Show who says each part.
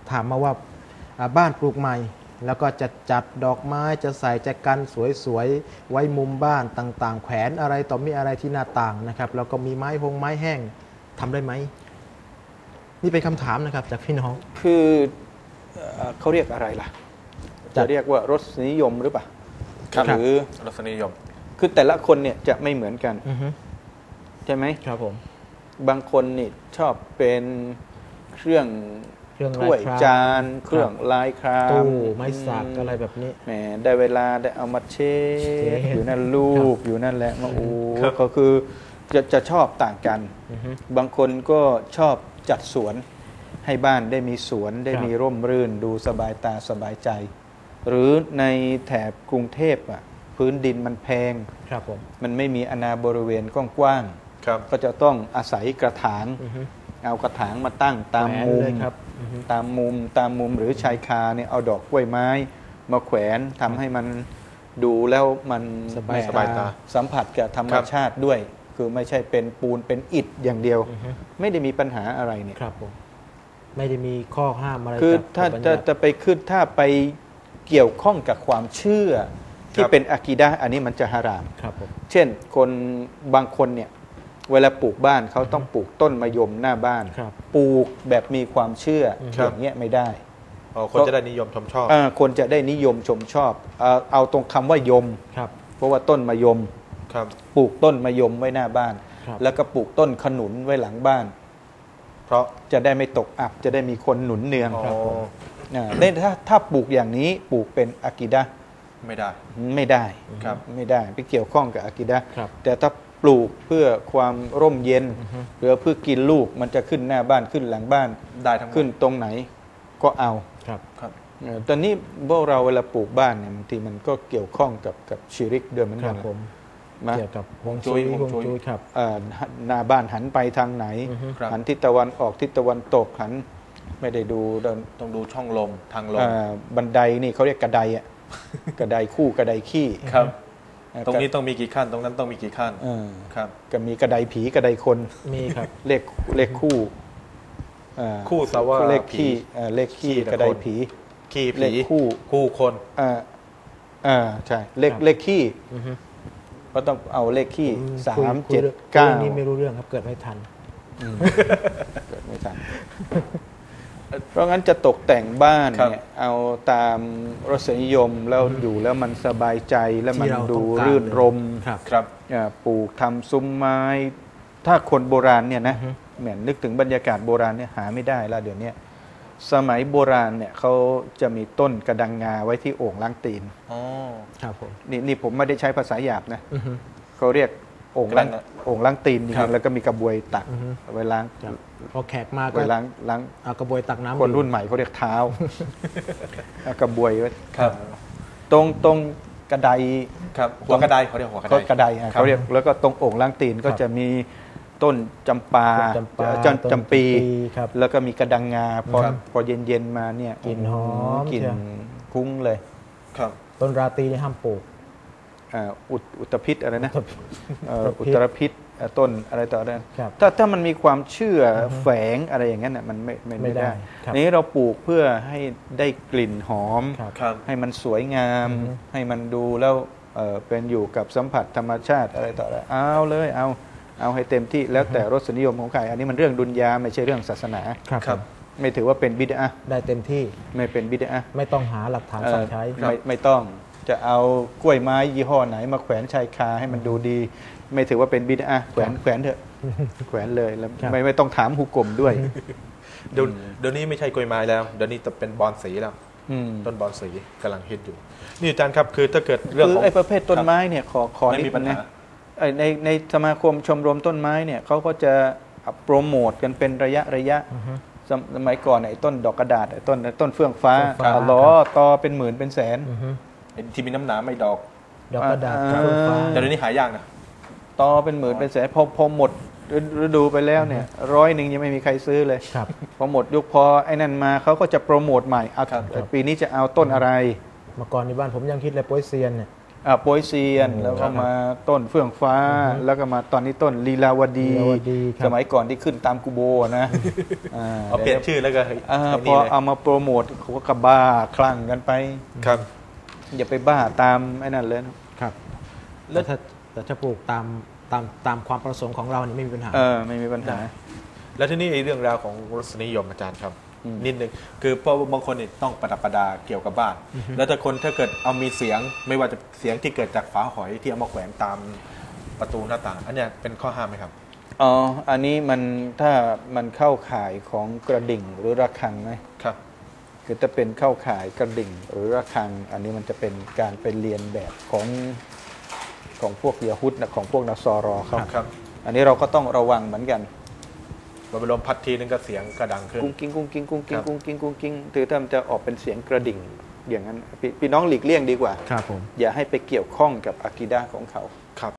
Speaker 1: ถามมาว่าบ้านปลูกใหม่แล้วก็จะจัดดอกไม้จะใส่แจกันสวยๆไว้มุมบ้านต่างๆแขวนอะไรต่อมีอะไรที่หน้าต่างนะครับแล้วก็มีไม้แห้งทำได้ไหมนี่เป็นคำถามนะครับจากพี่น้อง
Speaker 2: คือเขาเรียกอะไรล่ะจะเรียกว่ารสนิยมหรือเปล่าหรือ
Speaker 3: รสนิยม
Speaker 2: คือแต่ละคนเนี่ยจะไม่เหมือนกันใช่ไหม
Speaker 1: ครับผม
Speaker 2: บางคนนี่ชอบเป็นเครื่องถ้วยจานเครื่องลายคราม
Speaker 1: ตู้ไม้สักอะไรแบบนี้
Speaker 2: แหมได้เวลาได้เอามาเช็ดอยู่นั่นรูปอยู่นั่นแหละมาก็คือจะชอบต่างกันบางคนก็ชอบจัดสวนให้บ้านได้มีสวนได้มีร่มรื่นดูสบายตาสบายใจหรือในแถบกรุงเทพอ่ะพื้นดินมันแพงมันไม่มีอาณาบริเวณกว้างๆก็จะต้องอาศัยกระถางเอากระถางมาตั้งตามมุมตามมุมหรือชายคาเนี่ยเอาดอกกล้วยไม้มาแขวนทำให้มันดูแล้วมัน
Speaker 1: สบายตา
Speaker 2: สัมผัสกับธรรมชาติด้วยคือไม่ใช่เป็นปูนเป็นอิฐอย่างเดียวไม่ได้มีปัญหาอะไรเนี่ย
Speaker 1: ครับผมไม่ได้มีข้อห้ามอะไร
Speaker 2: คือถ้าจะไปขึ้นถ้าไปเกี่ยวข้องกับความเชื่อที่เป็นอะกีดะห์อันนี้มันจะฮารามเช่นคนบางคนเนี่ยเวลาปลูกบ้านเขาต้องปลูกต้นมะยมหน้าบ้านปลูกแบบมีความเชื่ออย่างเงี้ยไม่ได้
Speaker 3: คนจะได้นิยมชมชอบ
Speaker 2: คนจะได้นิยมชมชอบเอาตรงคำว่ายมเพราะว่าต้นมะยมปลูกต้นมะยมไว้หน้าบ้านแล้วก็ปลูกต้นขนุนไว้หลังบ้านเพราะจะได้ไม่ตกอับจะได้มีคนหนุนเนืองถ้าปลูกอย่างนี้ปลูกเป็นอะกีดะห์
Speaker 3: ไม่ได้
Speaker 2: ไม่ได้ไปเกี่ยวข้องกับอะกีดะห์แต่ถ้าปลูกเพื่อความร่มเย็นหรือเพื่อกินลูกมันจะขึ้นหน้าบ้านขึ้นหลังบ้าน
Speaker 3: ได้ทั้ง
Speaker 2: ขึ้นตรงไหนก็เอาตอนนี้พวกเราเวลาปลูกบ้านเนี่ยบางทีมันก็เกี่ยวข้องกับชิริกด้วยเหมือนกัน
Speaker 1: เกี่ยวกับฮวงจุ้ยครับ
Speaker 2: หน้าบ้านหันไปทางไหนหันทิศตะวันออกทิศตะวันตกหันไม่ได้ดู
Speaker 3: ต้องดูช่องลมทางลม
Speaker 2: บันไดนี่เขาเรียกกระไดอ่ะกระไดคู่กระไดขี้
Speaker 3: ครับตรงนี้ต้องมีกี่ขั้นตรงนั้นต้องมีกี่ขั้นครับ
Speaker 2: ก็มีกระไดผีกระไดคน
Speaker 1: มีครับ
Speaker 2: เลขคู่
Speaker 3: สาวะ
Speaker 2: เลขขี้เลขขี้กระไดผี
Speaker 3: ขี้ผี
Speaker 2: เลข
Speaker 3: คู่คน
Speaker 2: ใช่เลขขี้ก็ต้องเอาเลขขี้3 7 9
Speaker 1: นี่ไม่รู้เรื่องครับเกิดไม่ทัน
Speaker 2: เพราะงั้นจะตกแต่งบ้านเนี่ยเอาตามรสนิยมแล้วอยู่แล้วมันสบายใจแล้วมันดูรื่นรมปลูกทำซุ้มไม้ถ้าคนโบราณเนี่ยนะเหมือนนึกถึงบรรยากาศโบราณเนี่ยหาไม่ได้แล้วเดี๋ยวนี้สมัยโบราณเนี่ยเขาจะมีต้นกระดังงาไว้ที่โอ่งล้างตีน
Speaker 1: ครับผม
Speaker 2: นี่ผมไม่ได้ใช้ภาษาหยาบนะเขาเรียกโอ่งล้างตีนแล้วก็มีกระบวยตักไว้ล้าง
Speaker 1: พอแขกมาก็
Speaker 2: ล้าง
Speaker 1: เอากระบวยตักน้ำ
Speaker 2: คนรุ่นใหม่เขาเรียกเท้ากระบวยไว้ตรงกระได
Speaker 3: หัวกระไดเขาเรียกหัวกระได
Speaker 2: เขาเรียกแล้วก็ตรงโอ่งล้างตีนก็จะมีต้นจำปาจำปีแล้วก็มีกระดังงาพอเย็นมาเนี่ย
Speaker 1: กลิ่นหอม
Speaker 2: กลิ่นคุ้งเลย
Speaker 1: ต้นราตรีห้ามปลูก
Speaker 2: อุตภิษอะไรนะอุตรพิษต้นอะไรต่อได้ถ้ามันมีความเชื่อแฝงอะไรอย่างนั้นมันไม่ได้นี้เราปลูกเพื่อให้ได้กลิ่นหอมให้มันสวยงามให้มันดูแล้วเป็นอยู่กับสัมผัสธรรมชาติอะไรต่ออะไรเอาเลยเอาให้เต็มที่แล้วแต่รสนิยมของใครอันนี้มันเรื่องดุนยาไม่ใช่เรื่องศาสนาไม่ถือว่าเป็นบิดอะห์
Speaker 1: ได้เต็มที่
Speaker 2: ไม่เป็นบิดอะห์
Speaker 1: ไม่ต้องหาหลักฐานสั่งใช้
Speaker 2: ไม่ต้องจะเอากล้วยไม้ยี่ห้อไหนมาแขวนชายคาให้มันดูดีไม่ถือว่าเป็นบิดอะห์แขวนเถอะแขวนเลยแล้วไม่ต้องถามฮุกกลมด้วย
Speaker 3: เดี๋ยวนี้ไม่ใช่กล้วยไม้แล้วเดี๋ยวนี้จะเป็นบอนสีแล้วต้นบอนสีกำลังฮิตอยู่นี่อาจารย์ครับคือถ้าเกิดเรื่องของ
Speaker 2: ไอ้ประเภทต้นไม้เนี่ยขอนิดนึงนะในสมาคมชมรมต้นไม้เนี่ยเขาก็จะโปรโมทกันเป็นระยะสมัยก่อนไอ้ต้นดอกกระดาษไอ้ต้นเฟื่องฟ้าล้อตอเป็นหมื่นเป็นแสน
Speaker 3: ที่มีน้ำหนาไม่ดอก
Speaker 1: กระดาษเฟื่องฟ้า
Speaker 3: แต่เดี๋ยวนี้หายากนะ
Speaker 2: ตอเป็นหมื่นเป็นแสนพอหมดฤดูไปแล้วเนี่ย100ยังไม่มีใครซื้อเลยพอหมดยุคพอไอ้นั่นมาเขาก็จะโปรโมทใหม่ปีนี้จะเอาต้นอะไร
Speaker 1: เมื่อก่อนในบ้านผมยังคิดเลยโปยเซียนเนี่ย
Speaker 2: โปยเซียนแล้วก็มาต้นเฟื่องฟ้า แล้วก็มาตอนนี้ต้นลีลาวดี
Speaker 1: ครับ
Speaker 2: สมัยก่อนที่ขึ้นตามกูโบนะ
Speaker 3: เอาเปลี่ยนชื่อแล้วก็
Speaker 2: พอเอามาโปรโมทเขาก็กระบ้าคลั่งกันไป
Speaker 3: ครับ
Speaker 2: อย่าไปบ้าตามไอ้นั่นเลยนะครับ
Speaker 1: แล้วแต่ถ้าปลูกตามความประสงค์ของเรานี่ไม่มีปัญหา
Speaker 2: ไม่มีปัญหา
Speaker 3: แล้วที่นี่ไอ้เรื่องราวของรสนิยมอาจารย์ครับ นิดนึงคือเพราะบางคนเนี่ยต้องประดับประดาเกี่ยวกับบ้าน แล้วถ้าเกิดเอามีเสียงไม่ว่าจะเสียงที่เกิดจากฝาหอยที่เอามาแขวนตามประตูหน้าต่างอันเนี้ยเป็นข้อห้ามไหมครับ
Speaker 2: อ๋ออันนี้มันถ้ามันเข้าข่ายของกระดิ่งหรือระฆังไหม
Speaker 3: ครับ
Speaker 2: คือถ้าเป็นเข้าข่ายกระดิ่งหรือระฆัง อันนี้มันจะเป็นการไปเรียนแบบของพวกยะฮุดนะของพวกนัสซอรอเขา
Speaker 3: ครับ
Speaker 2: อันนี้เราก็ต้องระวังเหมือนกัน
Speaker 3: มันเป็นลมพัดทีนึงก็เสียงกระดังขึ้น
Speaker 2: กุ้งกิ้งกุ้งกิ้งกุ้งกิ้
Speaker 3: ค
Speaker 2: ง
Speaker 3: รับ
Speaker 2: กุ้งกิ้งกุ้งกิ้งคือถ้ามันจะออกเป็นเสียงกระดิ่งอย่างนั้นพี่น้องหลีกเลี่ยงดีกว่า
Speaker 1: ครับผม
Speaker 2: อย่าให้ไปเกี่ยวข้องกับอากีดะห์ของเขา